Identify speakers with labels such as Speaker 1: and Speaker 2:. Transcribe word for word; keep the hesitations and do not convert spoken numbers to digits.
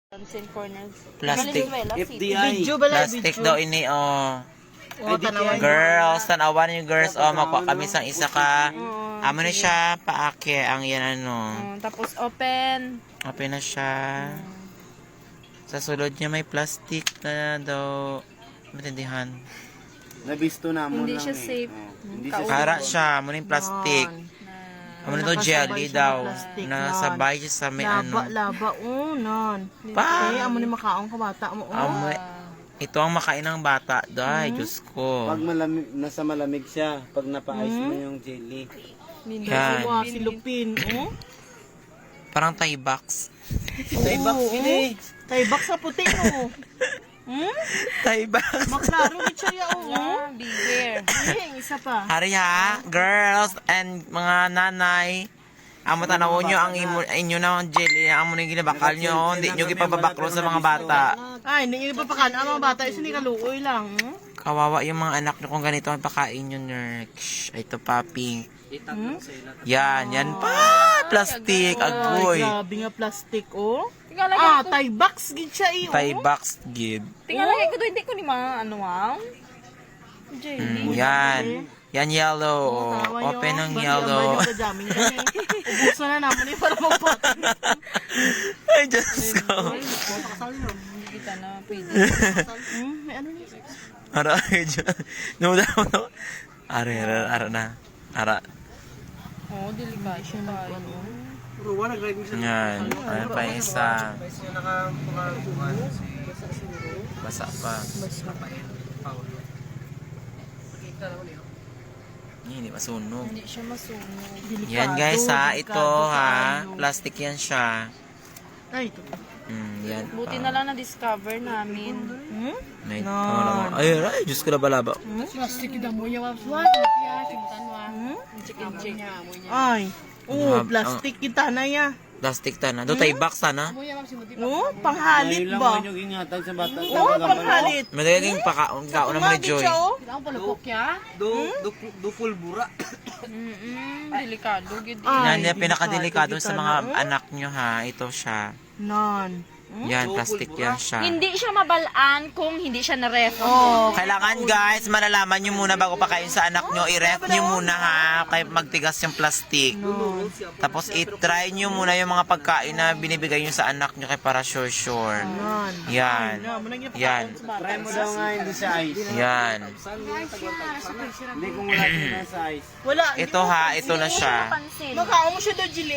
Speaker 1: Pansin corner.
Speaker 2: Plastic.
Speaker 1: Valenzuela
Speaker 3: F D
Speaker 1: City.
Speaker 3: I.
Speaker 4: Video ba lang?
Speaker 2: Plastic daw ini, oh.
Speaker 4: O, tanawan niyo.
Speaker 2: Girls, tanawan niyo girls, oh. Makuha kami sa isa ka. Amo na siya, paake, ang yan ano.
Speaker 1: Oh, tapos open.
Speaker 2: Open na siya. Sa sulod niya may plastic na daw. Matindihan.
Speaker 3: Nabisto na mo
Speaker 1: Hindi
Speaker 3: lang
Speaker 1: siya
Speaker 3: eh.
Speaker 1: safe.
Speaker 3: Oh, Hindi siya
Speaker 2: Para siya, muna yung plastic. Amo na daw jelly daw. Nasabay siya sa may
Speaker 4: Laba,
Speaker 2: ano.
Speaker 4: laba, unan.
Speaker 2: Pa!
Speaker 4: Eh, amo ni makaong kabata mo. Oh.
Speaker 2: Amo, ito ang makain ng bata, day. Diyos ko.
Speaker 3: Pag malamig, nasa malamig siya, pag napa-ice mo yung jelly.
Speaker 2: Yan.
Speaker 4: Wow, si Lupin. Oh.
Speaker 2: Parang Thai box.
Speaker 3: Tay box ini.
Speaker 4: Taybak sa puti, oh. Hmm?
Speaker 2: Thai box.
Speaker 4: Maklaro ni siya, oh.
Speaker 1: Ah, bigger.
Speaker 4: Eh, isa pa.
Speaker 2: Hari ha, girls and mga nanay. Amo tanaw nyo ang imo, inyo na jelly. Amo na yung ginabakal nyo. Hindi nyo gipababaklo sa mga bata.
Speaker 4: Ay, hindi pa pakan. Ang mga bata, isa ni kaluoy lang. Hmm?
Speaker 2: Kawawa yung mga anak nyo kung ganito ang pakain nyo, Nerks. Ito pa, pink. Yan, yan pa. Plastic,
Speaker 4: Ay,
Speaker 2: agoy.
Speaker 4: grabe nga plastic, oh.
Speaker 1: Tingala
Speaker 4: Ah,
Speaker 1: ko.
Speaker 4: Taybox, gid siya, eh, oh.
Speaker 2: Thai box, give.
Speaker 1: Tingala ko to hindi ko ni ma ano ah. Jelly.
Speaker 2: Mm, yan. Yan yellow.
Speaker 4: Tawa
Speaker 2: Open
Speaker 4: yun.
Speaker 2: ng
Speaker 4: Bali,
Speaker 2: yellow.
Speaker 4: ang bali, jamming kami. Ubusan na naman eh, para magpatan.
Speaker 2: Ay, Diyos ko.
Speaker 1: Hindi kita na pwede.
Speaker 4: Hmm, may ano niya?
Speaker 2: Ara, ay, Diyos. Nuda mo to. Ara, ara, ara na. Ara.
Speaker 1: Oh, delikado siya tayo.
Speaker 2: Yan. Ano pa yung isa. Basa pa. Hindi masunog.
Speaker 1: Hindi siya masunog.
Speaker 2: Yan guys ha. Ito ha. Plastic yan siya.
Speaker 4: Ay, ito.
Speaker 2: Mm, yan
Speaker 1: Buti
Speaker 2: pa.
Speaker 1: na lang na-discover namin.
Speaker 4: Hmm?
Speaker 2: May no. Ay, ay, Diyos ko na balaba.
Speaker 4: Plastic na mo yung wapswan. Hmm?
Speaker 1: Chicken chick.
Speaker 4: Ay. Oo,
Speaker 2: Ang-
Speaker 4: plastic kita na ya.
Speaker 2: Plastic ta na. Do tayo box ta na.
Speaker 4: Oo, panghalit
Speaker 3: Ayun lang
Speaker 4: ba?
Speaker 3: mo yung gingatag sa bata.
Speaker 4: Oo, panghalit.
Speaker 2: Madaging pakaon kaon naman ni Joy.
Speaker 4: Siya, oh.
Speaker 3: Do, do, do pulbura.
Speaker 1: Mm-mm, delikado gid.
Speaker 4: Ay,
Speaker 2: Yan yung pinakadelikado
Speaker 4: delikado
Speaker 2: sa
Speaker 4: kita
Speaker 2: mga
Speaker 4: na, oh.
Speaker 2: anak nyo ha. Ito siya.
Speaker 4: Nan.
Speaker 2: Yan, plastic yan siya.
Speaker 1: Hindi siya mabalaan kung hindi siya na-ref.
Speaker 4: Oh.
Speaker 2: Kailangan guys, malalaman nyo muna bago pa kain sa anak nyo. I-ref nyo muna ha, kaya magtigas yung plastic. Tapos i-try nyo muna yung mga pagkain na binibigay nyo sa anak nyo kay para sure sure.
Speaker 4: Nan.
Speaker 2: Yan. Yan.
Speaker 3: Try mo daw nga hindi sa ice.
Speaker 2: Yan.
Speaker 3: Hindi kung wala siya na sa ice.
Speaker 4: Wala.
Speaker 2: Ito ha, ito na siya.
Speaker 1: Pansin.
Speaker 4: Makaong mo siya daw, Jilly.